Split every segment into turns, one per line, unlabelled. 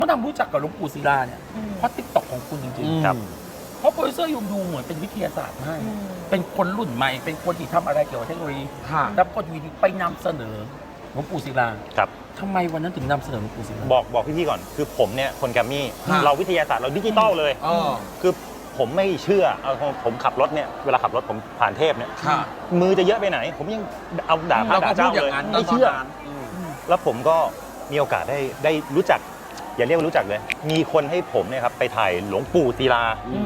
เขาทำรู้จักกับหลวงปู่ศิลาเนี่ยเพราะติ๊กต็อกของคุณจริงๆ
ครับ
เพราะโปรดิวเซอร์ยูดูเหมือนเป็นวิทยาศาสตร์ให้เป็นคนรุ่นใหม่เป็นคนที่ทำอะไรเกี่ยวกับเทคโนโลยีแล้วก็วีดีไปนำเสนอหลวงปู่ศิลา
ครับ
ทำไมวันนั้นถึงนำเสนอหลวงปู่ศิลา
บอกพี่ๆก่อนคือผมเนี่ยคนแกรมมี่เราวิทยาศาสตร์เราดิจิตอลเลยคือผมไม่เชื่อผมขับรถเนี่ยเวลาขับรถผมผ่านเทพเนี่ยมือจะเยอะไปไหนผมยังเอาด่าพระด่าเจ้าเลยไม่เชื่อแล้วผมก็มีโอกาสได้รู้จักอย่าเรียกว่ารู้จักเลยมีคนให้ผมเนี่ยครับไปถ่ายหลวงปู่ศิลา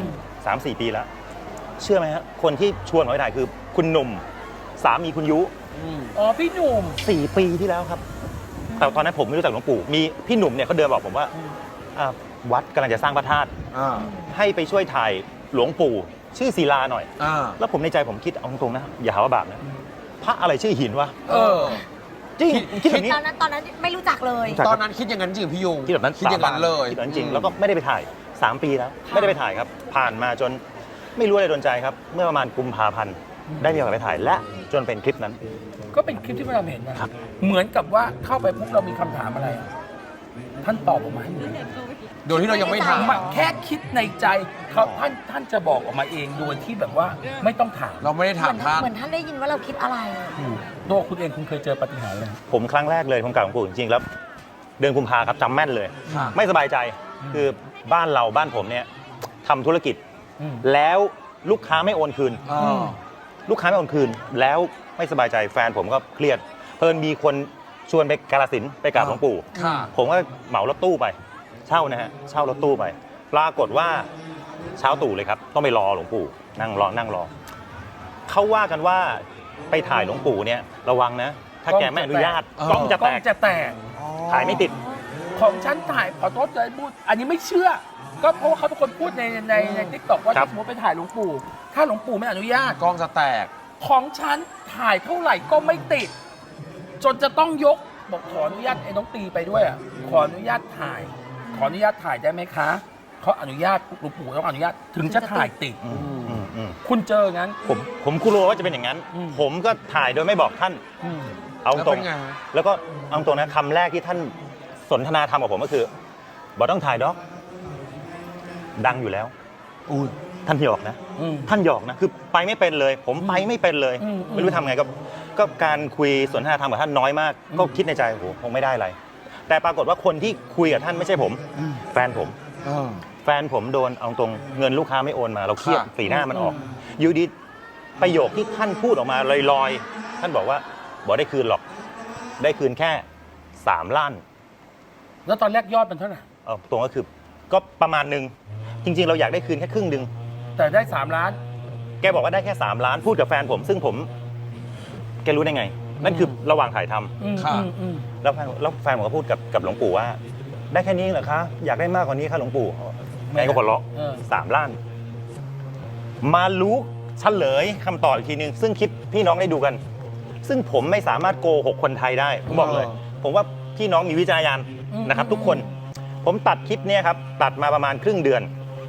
3-4 ปีแล้วเชื่อไหมฮะคนที่ชวนผมไปถ่ายคือคุณหนุ่มสามีคุณยุ
อ๋อพี่หนุ่ม
4 ปีที่แล้วครับแต่ตอนนั้นผมไม่รู้จักหลวงปู่มีพี่หนุ่มเนี่ยเขาเดินบอกผมว่าวัดกำลังจะสร้างพระธาตุให้ไปช่วยถ่ายหลวงปู่ชื่อศิลาหน่อยแล้วผมในใจผมคิดเอาตรงๆนะอย่าหาว่าบาปนะพระอะไรชื่อหินวะจริงคิดแบบนี้
ตอนนั้นไม่รู้จักเลย
ตอนนั้นคิดอย่างนั้นจริงพี่ยง
คิดแบบนั้น
คิดอย่างนั้นเลย
คิดแบบนั้นจริงแล้วก็ไม่ได้ไปถ่าย3 ปีแล้วไม่ได้ไปถ่ายครับผ่านมาจนไม่รู้อะไรโดนใจครับเมื่อประมาณกุมภาพันธ์ได้มีโอกาสไปถ่ายและจนเป็นคลิปนั้น
ก็เป็นคลิปที่เราเห็นนะเหมือนกับว่าเข้าไปปุ๊บเรามีคำถามอะไรท่านตอบออกมาให้หมด
โดยที่เรายังไม่ถาม
แค่คิดในใจเขาท่านจะบอกออกมาเองโดยที่แบบว่าไม่ต้องถาม
เราไม่ได้ถามท่าน
เหมือนท่านได้ยินว่าเราคิดอะไร
ตัวคุณเองคุณเคยเจอปาฏิหาริย์เลย
ผมครั้งแรกเลยผมกล่าวหลวงปู่จริงๆแล้วเดือนกุมภาครับจำแม่นเลยไม่สบายใจคือบ้านผมเนี่ยทำธุรกิจแล้วลูกค้าไม่โอนคืนลูกค้าไม่โอนคืนแล้วไม่สบายใจแฟนผมก็เครียดเพิ่นมีคนชวนไปกาฬสินธุ์ไปกราบหลวงปู่ผมก็เหมารถตู้ไปเช่ารถตู้ไปปรากฏว่าเช้าตู่เลยครับต้องไปรอหลวงปู่นั่งรอเขาว่ากันว่าไปถ่ายหลวงปู่เนี่ยระวังนะถ้าแกไม่อนุญาตกล้องจะแตกถ่ายไม่ติด
ของฉันถ่ายขอโทษเลยพูดอันนี้ไม่เชื่อก็เพราะว่าเขาเป็นคนพูดในทิกตอกว่าถ้าสมมติไปถ่ายหลวงปู่ถ้าหลวงปู่ไม่อนุญาต
กล้องจะแตก
ของฉันถ่ายเท่าไหร่ก็ไม่ติดจนจะต้องยกบอกขออนุญาตไอ้น้องตีไปด้วยขออนุญาตถ่ายได้ไหมคะเขาอนุญาตหลวงปู่ต้องอนุญาตถึงจะถ่ายติดคุณเจองั้น
ผมกลัวว่าจะเป็นอย่างนั้นผมก็ถ่ายโดยไม่บอกท่านเอาตรงแล้วก็เอาตรงนะคำแรกที่ท่านสนทนาธรรมกับผมก็คือบอกต้องถ่ายด็อกดังอยู่แล้วท่านหยอกนะคือไปไม่เป็นเลยผมไปไม่เป็นเลยไม่รู้ทำไงก็การคุยสนทนาธรรมกับท่านน้อยมากก็คิดในใจโอ้โหคงไม่ได้อะไรแต่ปรากฏว่าคนที่คุยกับท่านไม่ใช่ผมแฟนผมโดนเอาตรงเงินลูกค้าไม่โอนมาเราเครียดสีหน้ามันออกอยู่ดีประโยคที่ท่านพูดออกมาลอยๆท่านบอกว่าบอกได้คืนหรอกได้คืนแค่3 ล้าน
แล้วตอนแรกยอดเป็นเท่าไหร่
ตรงก็คือก็ประมาณนึงจริงๆเราอยากได้คืนแค่ครึ่งนึง
แต่ได้3 ล้าน
แกบอกว่าได้แค่3 ล้านพูดกับแฟนผมซึ่งผมแกรู้ได้ไงนั่นคือระหว่างถ่ายทำแล้วแฟนผมก็พูดกับหลวงปู่ว่าได้แค่นี้เหรอคะอยากได้มากกว่านี้ค่ะหลวงปู่แกก็หัวเราะ3 ล้านมารู้เฉลยคำตอบอีกทีนึงซึ่งคลิปพี่น้องได้ดูกันซึ่งผมไม่สามารถโกหกคนไทยได้ผมบอกเลยผมว่าพี่น้องมีวิจารณญาณนะครับทุกคนผมตัดคลิปนี้ครับตัดมาประมาณครึ่งเดือน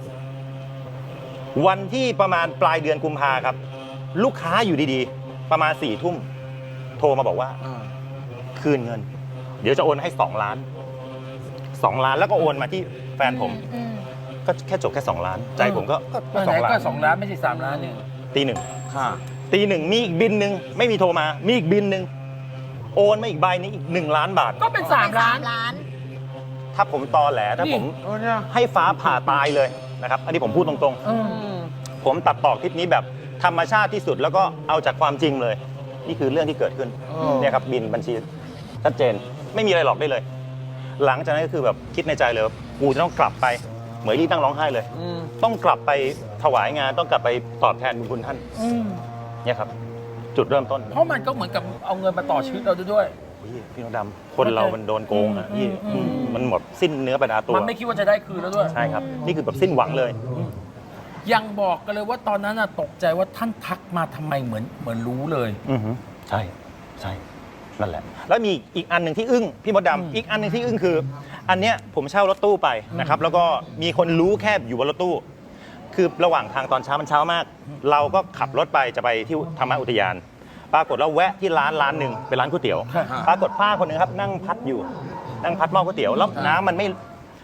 วันที่ประมาณปลายเดือนกุมภาครับลูกค้าอยู่ดีๆประมาณ4 ทุ่มโทรมาบอกว่าคืนเงินเดี๋ยวจะโอนให้2 ล้านแล้วก็โอนมาที่แฟนผมก็แค่จบแค่2 ล้านใจผมก็
2 ล้านก็2 ล้านไม่ใช่3 ล้านเนี่ย
ตีหนึ่งมีอีกบินหนึ่งไม่มีโทรมามีอีกบินหนึ่งโอนมาอีกใบนี้อีก1 ล้านบาท
ก็เป็น3 ล้าน
ถ้าผมตอแหลถ้าผมให้ฟ้าผ่าตายเลยนะครับอันนี้ผมพูดตรงๆผมตัดต่อคลิปนี้แบบธรรมชาติที่สุดแล้วก็เอาจากความจริงเลยนี่คือเรื่องที่เกิดขึ้นเนี่ยครับบินบัญชีชัดเจนไม่มีอะไรหลอกได้เลยหลังจากนั้นก็คือแบบคิดในใจเลยว่ากูจะต้องกลับไปเหมือนที่ตั้งร้องไห้เลยต้องกลับไปถวายงานต้องกลับไปตอบแทนบุญคุณท่านเนี่ยครับจุดเริ่มต้น
เพราะมันก็เหมือนกับเอาเงินมาต่อชีวิตเราด้วย
พี่น้องดำคนเรามันโดนโกงอ่ะพี่มันหมดสิ้นเนื้อประดาตัว
มันไม่คิดว่าจะได้คืนแล้วด้วย
ใช่ครับนี่คือแบบสิ้นหวังเลย
ยังบอกกันเลยว่าตอนนั้นตกใจว่าท่านทักมาทำไมเหมือนรู้เลย
ใช่นั่นแหละแล้วมีอีกอันหนึ่งที่อึ้งพี่มดดำอีกอันหนึ่งที่อึ้งคืออันเนี้ยผมเช่ารถตู้ไปนะครับแล้วก็มีคนรู้แค่อยู่บนรถตู้คือระหว่างทางตอนเช้ามันเช้ามากเราก็ขับรถไปจะไปที่ธรรมอุทยานปรากฏว่าแวะที่ร้านหนึ่งเป็นร้านก๋วยเตี๋ยวปรากฏป้าคนนึงครับนั่งพัดหม้อก๋วยเตี๋ยวแล้วน้ำมัน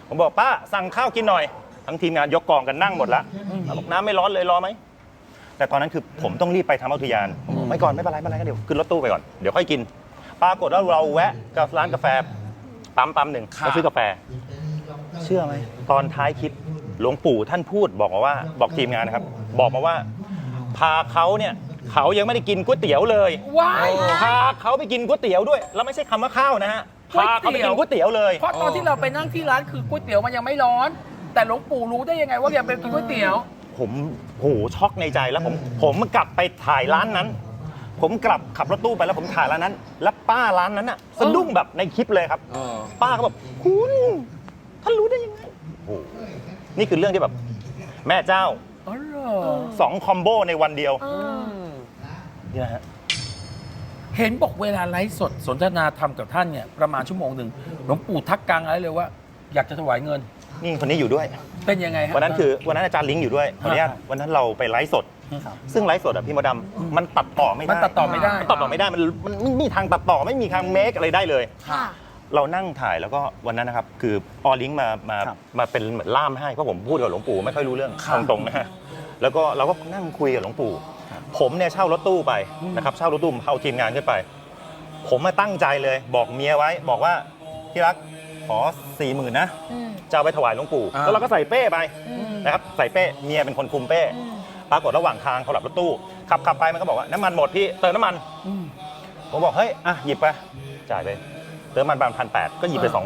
ผมบอกป้าสั่งข้าวกินหน่อยทั้งทีมงานยกกองกันนั่งหมดละบอกน้ำไม่ร้อนเลยรอไหมแต่ตอนนั้นคือผมต้องรีบไปทางอุทยานผมบอกไม่ก่อนไม่เป็นไรก็เดี๋ยวขึ้นรถตู้ไปก่อนเดี๋ยวค่อยกินปรากฏว่าเราแวะกับร้านกาแฟปั๊มหนึ่งไปซื้อกาแฟเชื่อไหมตอนท้ายคลิปหลวงปู่ท่านพูดบอกทีมงานนะครับบอกมาว่าพาเขาเนี่ยเขายังไม่ได้กินก๋วยเตี๋ยวเลย
ว้าย
พาเขาไปกินก๋วยเตี๋ยวด้วยแล้วไม่ใช่คำว่าข้าวนะฮะพาเขาไปกินก๋วยเตี๋ยวเลย
เพราะตอนที่เราไปนั่งที่ร้านคือก๋วยเตี๋ยวมันยังไม่ร้อน แต่หลวงปู่รู้ได้ยังไงว่ายังเป็นกินก๋วยเตี๋ยว
ผมโหช็อกในใจแล้วผมกลับไปถ่ายร้านนั้น ผมกลับขับรถตู้ไปแล้วผมถ่ายร้านนั้น แล้วป้าร้านนั้นน่ะสะดุ้งแบบในคลิปเลยครับ ป้าก็แบบคุณท่านรู้ได้ยังไงโอ้โหนี่คือเรื่องที่แบบแม่เจ้า
อ๋อเหรอ
2 คอมโบในวันเดียวนี่นะฮะ
เห็นบอกเวลาไลฟ์สดสนทนาธรรมกับท่านเนี่ยประมาณชั่วโมงหนึ่งหลวงปู่ทักกลางอะไรเลยว่า อยากจะถวายเงิน
นี่คนนี้อยู่ด้วย
เป็นยังไงฮะ
วันนั้นอาจารย์ลิงก์อยู่ด้วยขออนุญาตวันนั้นเราไปไลฟ์สด ซึ่งไลฟ์สดอะพี่มดดำมันตัดต่อไม่ได้
มันตัดต่อไม่ได้
มันตัดต่อไม่ได้มันไม่มีทางตัดต่อไม่มีทางเมคอะไรได้เลย
ค่ะ
เรานั่งถ่ายแล้วก็วันนั้นนะครับคือออลิงก์มาเป็นเหมือนล่ามให้เพราะผมพูดกับหลวงปู่ไม่ค่อยรู้เรื่องตรงๆนะฮะแล้วก็เราก็นั่งคุยกับหลวงปู่ผมเนี่ยเช่ารถตู้ไปนะครับเช่ารถตู้เอาทีมงานขึ้นไป ผมมาตั้งใจเลยบอกเมียไว้บอกว่าที่รักขอ 40,000นะจะเอาไปถวายหลวงปู่แล้วเราก็ใส่เป้ไปนะครับใส่เป้เมียเป็นคนคุมเป้ปรากฏระหว่างทางเขาหลับรถตู้ขับไปมันก็บอกว่าน้ำมันหมดพี่เติมน้ำมันผมบอกเฮ้ยอ่ะหยิบไปจ่ายไปเติมน้ำมัน1,800ก็หยิบไป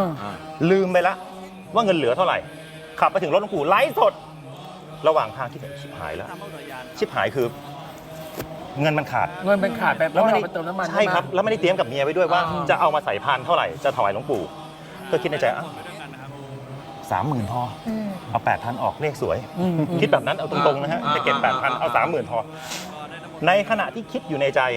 2,000ลืมไปละว่าเงินเหลือเท่าไหร่ขับไปถึงรถหลวงปู่ไลฟ์สดระหว่างทางที่ชิบหายแล้วชิบหายคือเงินมันขาด
เงินเป็นขาดไปเพราะเราไปเติมน้ำมัน
ใช่ครับแล้วไม่ได้เตรียมกับเมียไว้ด้วยว่าจะเอามาใส่พานเท่าไหร่จะถวายหลวงปู่ก็คิดในใจ30,000พอเอา8,000ออกเลขสวยคิดแบบนั้นเอาตรงๆนะฮะจะเก็บ8,000เอา30,000พอในขณะที่คิดอยู่ในใจ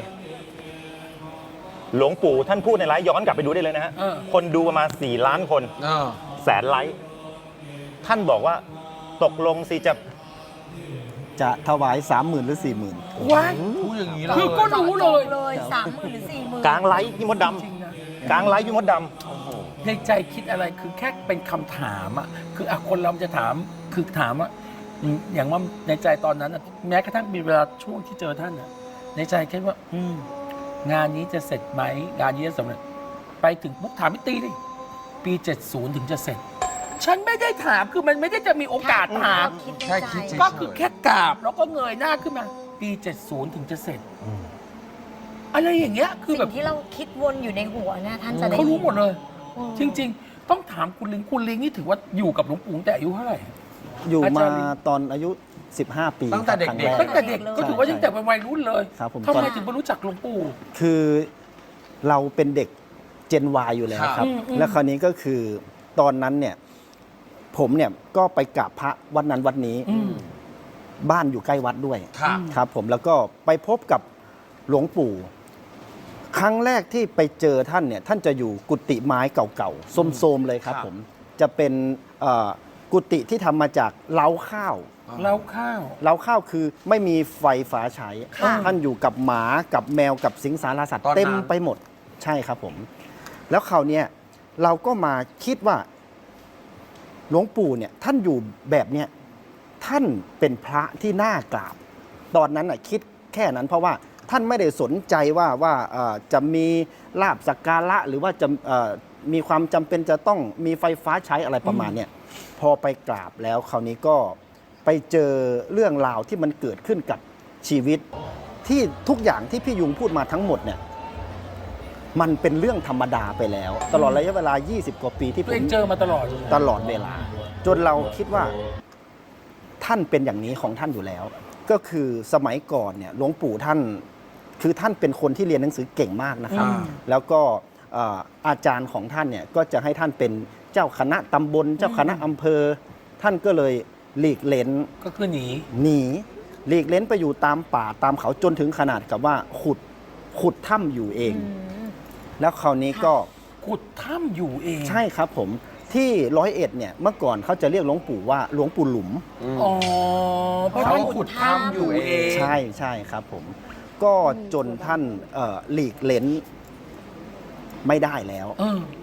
หลวงปู่ท่านพูดในไลฟ์ย้อนกลับไปดูได้เลยนะฮะคนดูประมาณ4 ล้านคนแสนไลฟ์ท่านบอกว่าตกลงสิ
จะถวาย 30,000 หรือ 40,000
ว้าย
พูดอย่างนี้เลย
คือก็รู้เลย
เลย30,000 หรือ 40,000
กลางไลฟ์พี่มดด
จริงนะ
ำกลางไลฟ์พี่มดดำ
ในใจคิดอะไรคือแค่เป็นคำถามอ่ะคือคนเราจะถามคือถามว่าอย่างว่าในใจตอนนั้นอะแม้กระทั่งมีเวลาช่วงที่เจอท่านอ่ะในใจคิดว่างานนี้จะเสร็จไหมงานนี้จะสำเร็จไปถึงปุ๊บถามพี่ตีดิปี 70 ถึงจะเสร็จ ฉันไม่ได้ถามคือมันไม่ได้จะมีโอกาสถาม
แค่คิดเฉย
ก็คือแค่กราบแล้วก็เงยหน้าขึ้นมา ปี 70 ถึงจะเสร็จอะไรอย่างเงี้ยคือแบ
สิ่
บ
งที่เราคิดวนอยู่ในหัวเนี่ยท่านจะได้
เขารู้หมดเลย
อืม
จริง ๆ ต้องถามคุณลิงนี่ถือว่าอยู่กับหลวงปู่ตั้งแต่อายุเท่าไหร่
อยู่
อา
มา
จารย์ลิง
ตอนอายุ 15 ปี
ตั้งแต่
ครับ
เด็กๆ
ครั้
ตั้
ง
ง
แร
แต่เด็กก็ถือว่ายังแต่เป็นวัยรุ่นเลย
ครับผม
ทำไมถึงไม่รู้จักหลวงปู่
คือเราเป็นเด็กเจน Y อยู่แล้วครับ แล้วคราวนี้ก็คือตอนนั้นเนี่ยผมเนี่ยก็ไปกราบพระวัดนั้นวัดนี้ บ้านอยู่ใกล้วัดด้วย
ครับ
ครับผมแล้วก็ไปพบกับหลวงปู่ ครั้งแรกที่ไปเจอท่านเนี่ยท่านจะอยู่กุฏิไม้เก่าๆโทรมๆเลยครับ
ครับ
ผมจะเป็นกุฏิที่ทำมาจากเล้าข้าว
แล้วข้าว
เล้าข้าวคือไม่มีไฟฟ้าใช้
ค่ะ
ท่านอยู่กับหมากับแมวกับสิงสารสัตว์
ตอนนั้น
เต็มไปหมดใช่ครับผม แล้วคราวเนี้ยเราก็มาคิดว่าหลวงปู่เนี่ยท่านอยู่แบบเนี้ยท่านเป็นพระที่น่ากราบ ตอนนั้นน่ะคิดแค่นั้นเพราะว่าท่านไม่ได้สนใจว่าจะมีลาบสักการะหรือว่าจะมีความจำเป็นจะต้องมีไฟฟ้าใช้อะไรประมาณเนี่ยพอไปกราบแล้วคราวนี้ก็ไปเจอเรื่องราวที่มันเกิดขึ้นกับชีวิต ที่ทุกอย่างที่พี่ยุงพูดมาทั้งหมดเนี่ยมันเป็นเรื่องธรรมดาไปแล้ว ตลอดระยะเวลา 20 กว่าปีที่ผ
ตัวเอ
ม
งเจอมาตลอด
ตลอดเวลา จนเราคิดว่าท่านเป็นอย่างนี้ของท่านอยู่แล้ว ก็คือสมัยก่อนเนี่ยหลวงปู่ท่านคือท่านเป็นคนที่เรียนหนังสือเก่งมากนะครับ แล้วก็อาจารย์ของท่านเนี่ยก็จะให้ท่านเป็นเจ้าคณะตำบลเจ้าคณะอำเภอ ท่านก็เลยหลีกเล้น
ก็คือหนี
หนีหลีกเล้นไปอยู่ตามป่าตามเขาจนถึงขนาดกับว่าขุดถ้ำอยู่เอง แล้วคราวนี้ก็
ขุดถ้ำอยู่เอง
ใช่ครับผมที่101เนี่ยเมื่อก่อนเขาจะเรียกหลวงปู่ว่าหลวงปู่หลุม
อ๋อเพราะ
เขา
ท่าน
ขุดถ้ำอยู่เอง
ใช่ใช่ครับผม ก็จนท่านหลีกเล้นไม่ได้แล้ว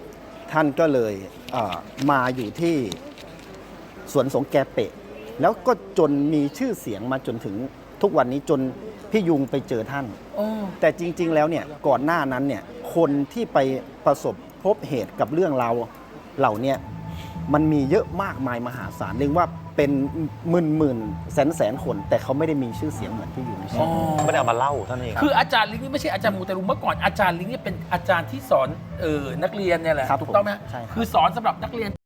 ท่านก็เลยมาอยู่ที่สวนสงแกเปะ แล้วก็จนมีชื่อเสียงมาจนถึงทุกวันนี้จนพี่ยุงไปเจอท่าน
โอ้
แต่จริง ๆ แล้วเนี่ยก่อนหน้านั้นเนี่ยคนที่ไปประสบพบเหตุกับเรื่องราวเหล่าเนี้มันมีเยอะมากมายมหาศาลเรียกว่าเป็นหมื่นแสนคน แต่เขาไม่ได้มีชื่อเสียงเหมือนพี่ยุง
อ๋อ
ไม่ได้เอามาเล่าเท่านั้นเอง
คืออาจารย์ลิงนี่ไม่ใช่อาจารย์มูเตลูเมื่อก่อนอาจารย์ลิงเนี่ยเป็นอาจารย์ที่สอนนักเรียนเนี่ยแหละ
ครับ
ถูกต้องไหม
ผมใช่ครับ
คือสอนสำหรับนักเรียน